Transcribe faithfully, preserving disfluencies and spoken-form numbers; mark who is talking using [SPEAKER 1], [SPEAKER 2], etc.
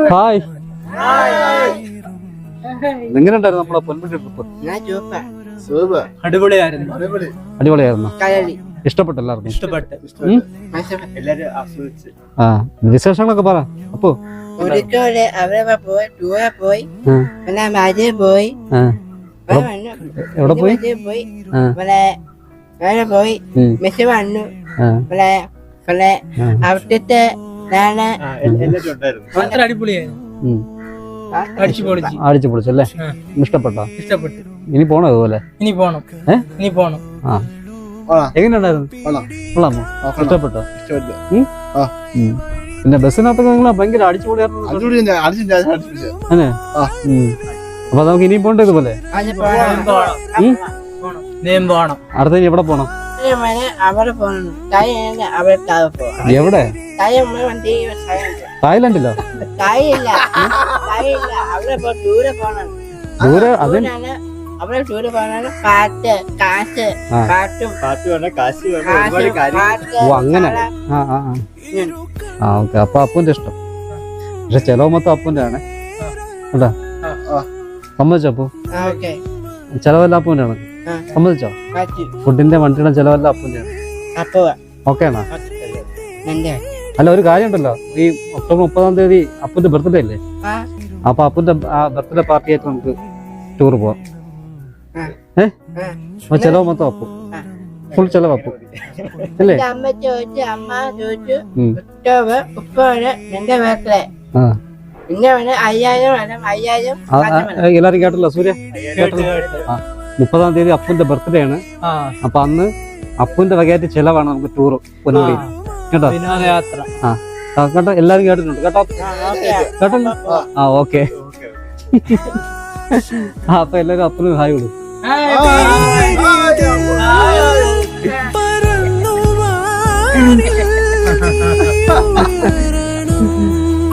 [SPEAKER 1] Hi. എങ്ങനെയുണ്ടായിരുന്നു നമ്മളെ Ponmudi trip?
[SPEAKER 2] അടിപൊളിയായിരുന്നു.
[SPEAKER 1] അടിപൊളിയായിരുന്നു. ഇഷ്ടപ്പെട്ടു എല്ലാവർക്കും?
[SPEAKER 2] ഇഷ്ടപ്പെട്ടു. എല്ലാരും ആസ്വദിച്ചു.
[SPEAKER 1] ആ വിശേഷങ്ങളൊക്കെ പറ. അപ്പോ
[SPEAKER 3] ഒരിക്കല് അവിടെ പോയി ടൂറെ പോയി പിന്നെ മജയിൽ പോയി
[SPEAKER 1] എവിടെ പോയി
[SPEAKER 3] പോയി പിന്നെ അവിടെ പോയി മെസ്സി വന്നു പിന്നെ പിന്നെ അവിടുത്തെ ഞാന്
[SPEAKER 2] അടിപൊളിയായിരുന്നു.
[SPEAKER 1] അടിച്ചു പൊളിച്ചല്ലേ? ഇഷ്ടപ്പെട്ടോ?
[SPEAKER 2] ഇഷ്ടപ്പെട്ടു.
[SPEAKER 1] ഇനി പോണോ അതുപോലെ?
[SPEAKER 2] ഇനി പോണം. ഇനി പോണം.
[SPEAKER 1] ആ എങ്ങനെയുണ്ടായിരുന്നു? കൊള്ളാമോ? ഇഷ്ടപ്പെട്ടോ? പിന്നെ ബസ്സിനകത്തൊക്കെ നിങ്ങൾ ഭയങ്കര അടിച്ചുപൊളിയായിരുന്നു. അപ്പൊ നമുക്ക് ഇനിയും പോണ്ടേ ഇതുപോലെ? അടുത്ത എവിടെ പോണം? എവിടെ? തായ്ലൻഡിലോ? ദൂരെ അത്
[SPEAKER 3] അവിടെ ടൂറ് പോകാനാണ് പാട്ട് കാശ് പാട്ടും
[SPEAKER 1] ഓ അങ്ങനെ. ആ ആ ആ ഓക്കെ. അപ്പൊ അപ്പൂന്റെ ഇഷ്ടം. പക്ഷെ ചെലവ് മൊത്തം അപ്പൂന്റെ ആണ് കേട്ടാ. സമ്മതിച്ചോ അപ്പു? ചെലവെല്ലാം അപ്പൂന്റെ ആണ്. സമ്മതിച്ചോ? ഫുഡിന്റെ വണ്ടിയുടെ ചെലവെല്ലാം അപ്പൂന്റെ ആണ്. ഓക്കെ ആണോ? അല്ല ഒരു കാര്യം ഉണ്ടല്ലോ, ഈ ഒക്ടോബർ മുപ്പതാം തീയതി അപ്പൂന്റെ ബർത്ത്ഡേ അല്ലേ? അപ്പൊ അപ്പൂന്റെ ബർത്ത്ഡേ പാർട്ടി ആയിട്ട് നമുക്ക് ടൂർ പോവാം. ഏഹ് ചെലവ് മൊത്തം അപ്പു, ഫുൾ ചെലവ് അപ്പു അല്ലേ?
[SPEAKER 3] അമ്മ ചോദിച്ചു അമ്മ ചോദിച്ചു ഒക്ടോബർ മുപ്പത് എന്റെ വീട്ടിലെ പിന്നെ അയ്യായിരം അയ്യായിരം
[SPEAKER 1] എല്ലാരും കേട്ടല്ലോ? സൂര്യ ആ മുപ്പതാം തീയതി അപ്പുന്റെ ബർത്ത്ഡേ ആണ്. അപ്പൊ അന്ന് അപ്പുന്റെ വകയായിട്ട് ചെലവാണ് നമുക്ക് ടൂർ പൊന്മുടി കേട്ടോ. ആ കേട്ടോ, എല്ലാരും കേട്ടിട്ടുണ്ട് കേട്ടോ? കേട്ടല്ലോ? ആ ഓക്കെ. ആ അപ്പൊ എല്ലാരും അപ്പനും ഹായ് കൊടുക്കും.